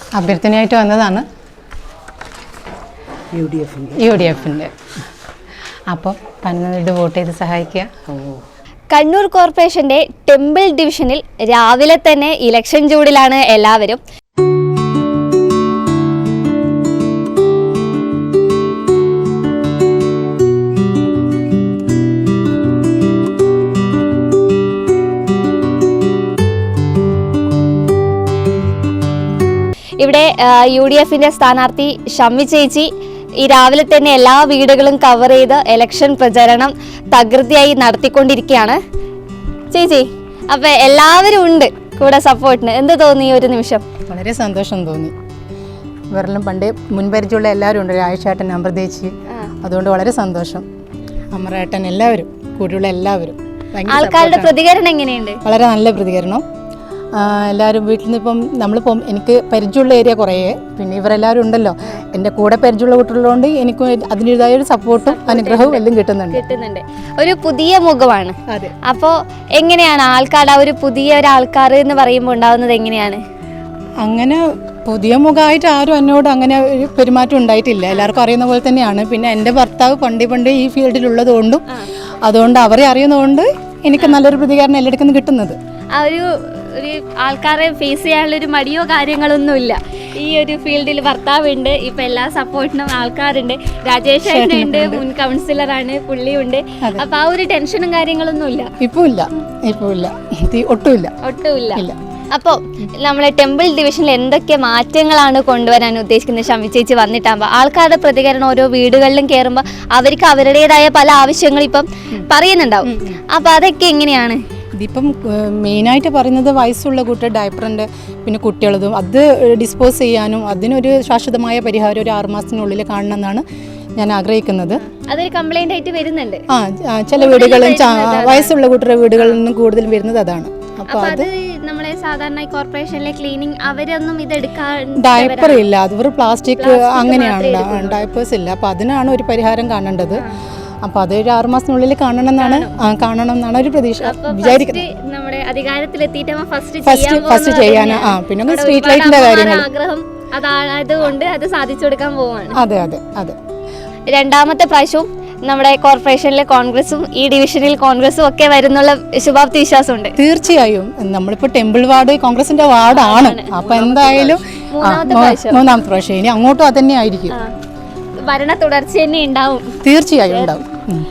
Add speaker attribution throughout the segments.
Speaker 1: അഭ്യർത്ഥനയായിട്ട് വന്നതാണ് UDF-ൻ്റെ. അപ്പോൾ പതിനൊന്നിട്ട് വോട്ട് ചെയ്ത് സഹായിക്കുക.
Speaker 2: കണ്ണൂർ കോർപ്പറേഷന്റെ ടെമ്പിൾ ഡിവിഷനിൽ രാവിലെ തന്നെ ഇലക്ഷൻ ചൂടിലാണ് എല്ലാവരും. ഇവിടെ UDF-ൻ്റെ സ്ഥാനാർത്ഥി ഷമ്മി ചേച്ചി ഈ രാവിലെ തന്നെ എല്ലാ വീടുകളും കവർ ചെയ്ത് ഇലക്ഷൻ പ്രചരണം തകൃതിയായി നടത്തിക്കൊണ്ടിരിക്കുകയാണ്. ചേച്ചി, അപ്പം എല്ലാവരും ഉണ്ട് കൂടെ സപ്പോർട്ടിന്. എന്ത് തോന്നി ഒരു നിമിഷം?
Speaker 1: വളരെ സന്തോഷം തോന്നി. ഇവരെല്ലാം പണ്ട് മുൻപരിചയമുള്ള എല്ലാവരും ഉണ്ട്, ആയിഷേട്ടൻ, അമൃതേച്ചി. അതുകൊണ്ട് വളരെ സന്തോഷം. അമറേട്ടൻ, എല്ലാവരും കൂടെയുള്ള എല്ലാവരും.
Speaker 2: ആൾക്കാരുടെ പ്രതികരണം എങ്ങനെയുണ്ട്?
Speaker 1: വളരെ നല്ല പ്രതികരണം. എല്ലാവരും വീട്ടിൽ നിന്ന് ഇപ്പം നമ്മളിപ്പം എനിക്ക് പരിചയമുള്ള ഏരിയ കുറേ, പിന്നെ ഇവരെല്ലാവരും ഉണ്ടല്ലോ, എൻ്റെ കൂടെ പരിചയമുള്ള കുട്ടികളുള്ളതുകൊണ്ട് എനിക്ക് അതിൻ്റെതായ ഒരു സപ്പോർട്ടും അനുഗ്രഹവും എല്ലാം കിട്ടുന്നുണ്ട്.
Speaker 2: ഒരു പുതിയ മുഖമാണ്. അപ്പോൾ എങ്ങനെയാണ് ആൾക്കാരുടെ ഒരു പുതിയ ഒരാൾക്കാർ എന്ന് പറയുമ്പോൾ ഉണ്ടാവുന്നത് എങ്ങനെയാണ്?
Speaker 1: അങ്ങനെ പുതിയ മുഖമായിട്ട് ആരും എന്നോട് അങ്ങനെ ഒരു പെരുമാറ്റം ഉണ്ടായിട്ടില്ല. എല്ലാവർക്കും അറിയുന്ന പോലെ തന്നെയാണ്. പിന്നെ എൻ്റെ ഭർത്താവ് പണ്ടേ ഈ ഫീൽഡിലുള്ളത് കൊണ്ടും അതുകൊണ്ട് അവരെ അറിയുന്നതുകൊണ്ട് എനിക്ക് നല്ലൊരു പ്രതികരണം എല്ലായിടത്തും കിട്ടുന്നത്.
Speaker 2: ആ ഒരു ആൾക്കാരെ ഫേസ് ചെയ്യാനുള്ളൊരു മടിയോ കാര്യങ്ങളൊന്നുമില്ല. ഈ ഒരു ഫീൽഡിൽ ഭർത്താവുണ്ട്, ഇപ്പം എല്ലാ സപ്പോർട്ടിനും ആൾക്കാരുണ്ട്. രാജേഷ് ഉണ്ട്, മുൻ കൗൺസിലറാണ്, പുള്ളിയുണ്ട്. അപ്പം ആ ഒരു ടെൻഷനും കാര്യങ്ങളൊന്നുമില്ല.
Speaker 1: ഇപ്പോൾ ഇല്ല, ഒട്ടുമില്ല.
Speaker 2: അപ്പോൾ നമ്മളെ ടെമ്പിൾ ഡിവിഷനിൽ എന്തൊക്കെ മാറ്റങ്ങളാണ് കൊണ്ടുവരാൻ ഉദ്ദേശിക്കുന്നത് ഷമ്മി ചേച്ചി വന്നിട്ടാകുമ്പോൾ? ആൾക്കാരുടെ പ്രതികരണം ഓരോ വീടുകളിലും കയറുമ്പോൾ അവർക്ക് അവരുടേതായ പല ആവശ്യങ്ങൾ ഇപ്പം പറയുന്നുണ്ടാവും. അപ്പം അതൊക്കെ എങ്ങനെയാണ്?
Speaker 1: ഇതിപ്പം മെയിനായിട്ട് പറയുന്നത് വയസ്സുള്ള കുട്ടികൾ ഡയപ്പറിൻ്റെ പിന്നെ കുട്ടികളതും അത് ഡിസ്പോസ് ചെയ്യാനും അതിനൊരു ശാശ്വതമായ പരിഹാരം ഒരു 6 മാസത്തിനുള്ളിൽ കാണണമെന്നാണ് ഞാൻ ആഗ്രഹിക്കുന്നത്.
Speaker 2: അതൊരു കംപ്ലൈൻ്റ് ആയിട്ട് വരുന്നുണ്ട്.
Speaker 1: ചില വീടുകളും വയസ്സുള്ള കുട്ടികളുടെ വീടുകളിൽ നിന്നും കൂടുതൽ വരുന്നത് അതാണ്.
Speaker 2: അപ്പോൾ അത് നമ്മളെ സാധാരണ കോർപ്പറേഷനിലെ ക്ലീനിങ് അവരൊന്നും ഇതെടുക്കാൻ
Speaker 1: ഡയപ്പർ ഇല്ല, അത് ഒരു പ്ലാസ്റ്റിക് അങ്ങനെയാണ്, ഡയപ്പേഴ്സ് ഇല്ല. അപ്പോൾ അതിനാണ് ഒരു പരിഹാരം കാണേണ്ടത്. അപ്പോൾ അത് ഒരു 6 മാസത്തിനുള്ളിൽ കാണണം എന്നാണ് ഒരു പ്രതീക്ഷ വിചാരിക്കുന്നത്.
Speaker 2: നമ്മുടെ അധികാരത്തിലെത്തിയിട്ട്
Speaker 1: ഫസ്റ്റ് ചെയ്യാൻ പിന്നെ സ്ട്രീറ്റ് ലൈറ്റിന്റെ കാര്യങ്ങൾ
Speaker 2: ആഗ്രഹം അതായതുകൊണ്ട് അത് സാധിച്ചു കൊടുക്കാൻ പോവാണ്.
Speaker 1: അതെ.
Speaker 2: രണ്ടാമത്തെ പ്രാവശ്യവും നമ്മുടെ കോർപ്പറേഷനിലെ കോൺഗ്രസും ഈ ഡിവിഷനിൽ കോൺഗ്രസും ഒക്കെ വരുന്നുള്ള ശുഭാപ്തി വിശ്വാസമുണ്ട്.
Speaker 1: തീർച്ചയായും. നമ്മളിപ്പോൾ ടെമ്പിൾ വാർഡ് കോൺഗ്രസിന്റെ വാർഡാണ്. അപ്പോൾ എന്തായാലും മൂന്നാമത്തെ പ്രാവശ്യം ഇനി അങ്ങോട്ടും അത് തന്നെ ആയിരിക്കും.
Speaker 2: ഭരണ തുടർച്ച തന്നെ ഉണ്ടാവും.
Speaker 1: തീർച്ചയായും ഉണ്ടാവും.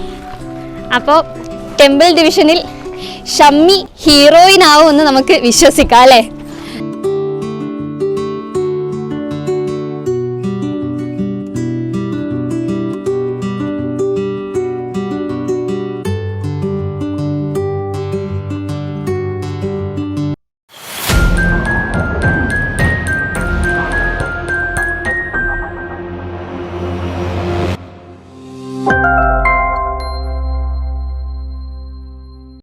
Speaker 2: അപ്പോൾ ടെമ്പിൾ ഡിവിഷനിൽ ഷമ്മി ഹീറോയിൻ ആവുമെന്ന് നമുക്ക് വിശ്വസിക്കാം അല്ലേ?